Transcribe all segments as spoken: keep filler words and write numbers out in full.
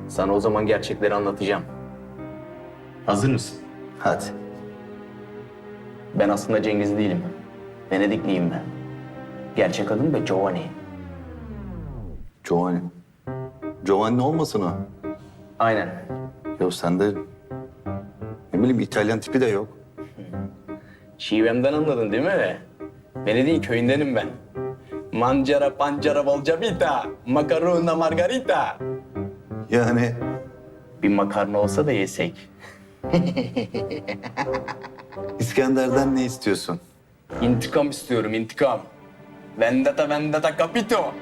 Sana o zaman gerçekleri anlatacağım. Hazır mısın? Hadi. Ben aslında Cengiz değilim. Venedikliyim ben. Gerçek adım da Giovanni. Giovanni. Giovanni olmasın o? Aynen. Yok sende ne bileyim İtalyan tipi de yok. Şivemden anladın değil mi? Venedik'in köyündenim ben. Mancara pancara bolca vita, makarona margarita. Yani Bir makarna olsa da yesek. İskender'den ne istiyorsun? İntikam istiyorum, intikam. Vendetta, vendetta, capito.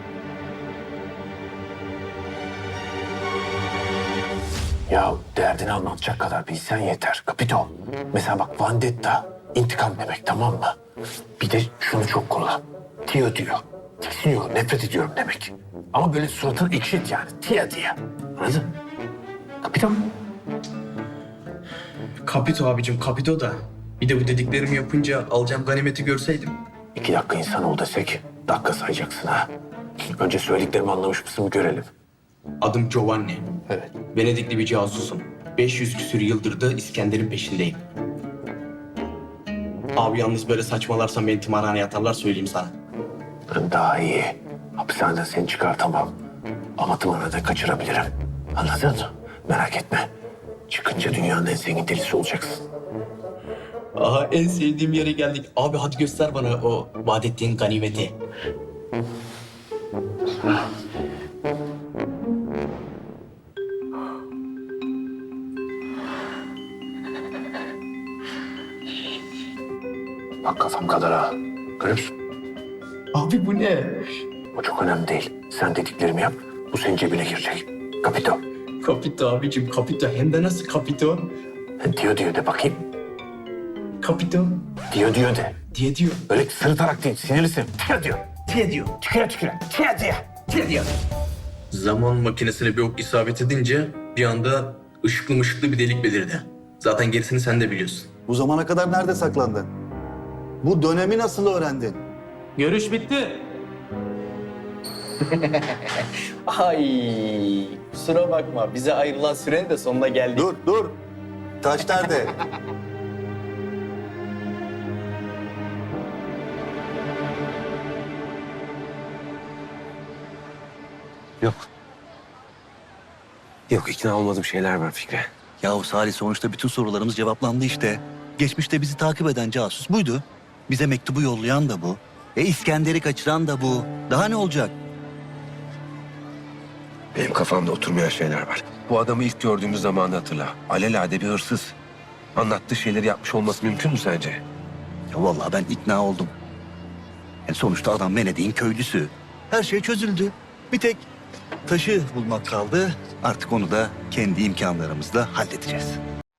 Ya derdini anlatacak kadar bilsen yeter. Kapito. Mesela bak vendetta, intikam demek, tamam mı? Bir de şunu çok kullan. Tio diyor. Tiksiniyorum, nefret ediyorum demek. Ama böyle suratını ekşit yani. Tia diye. Anladın? Kapito. Kapito abicim, kapito da. Bir de bu dediklerimi yapınca alacağım ganimeti görseydim. İki dakika insan ol desek dakika sayacaksın ha. Önce söylediklerimi anlamış mısın bir görelim. Adım Giovanni. Evet. Venedikli bir casusum. beş yüz küsür yıldır da İskender'in peşindeyim. Abi yalnız böyle saçmalarsam beni tımarhaneye atarlar, söyleyeyim sana. Ben daha iyi. Hapishaneden seni çıkartamam. Ama tımarına da kaçırabilirim. Anladın mı? Merak etme. Çıkınca dünyanın en zengin delisi olacaksın. Aha, en sevdiğim yere geldik. Abi hadi göster bana o vaat ettiğin ganimeti. Bak kafam kadar ha. Görüyor musun? Abi bu ne? O çok önemli değil. Sen dediklerimi yap. Bu senin cebine girecek. Kapito. Kapito abicim, kapito. Hem de nasıl kapito? Diyor diyor de bakayım. Kapito Diyor diyor de. diye diyor. Öyle sırıtarak değil. Sinirlisin. Diyor diyor. Diye diyor. Tüküre tüküre. Diyor diyor. Diyor diyor. Zaman makinesine bir ok isabet edince bir anda ışıklı mışıklı bir delik belirdi. Zaten gerisini sen de biliyorsun. Bu zamana kadar nerede saklandın? Bu dönemi nasıl öğrendin? Görüş bitti. Ay, kusura bakma. Bize ayrılan sürenin de sonuna geldik. Dur dur. Taş nerede? Yok. Yok, ikna olmadığım şeyler var Fikri. Yahu Salih, sonuçta bütün sorularımız cevaplandı işte. Geçmişte bizi takip eden casus buydu. Bize mektubu yollayan da bu. E İskender'i kaçıran da bu. Daha ne olacak? Benim kafamda oturmayan şeyler var. Bu adamı ilk gördüğümüz zamanı hatırla. Alelade bir hırsız. Anlattığı şeyleri yapmış olması mümkün mü sence? Ya vallahi ben ikna oldum. Yani sonuçta adam Venedik'in köylüsü. Her şey çözüldü. Bir tek taşı bulmak kaldı. Artık onu da kendi imkanlarımızla halledeceğiz.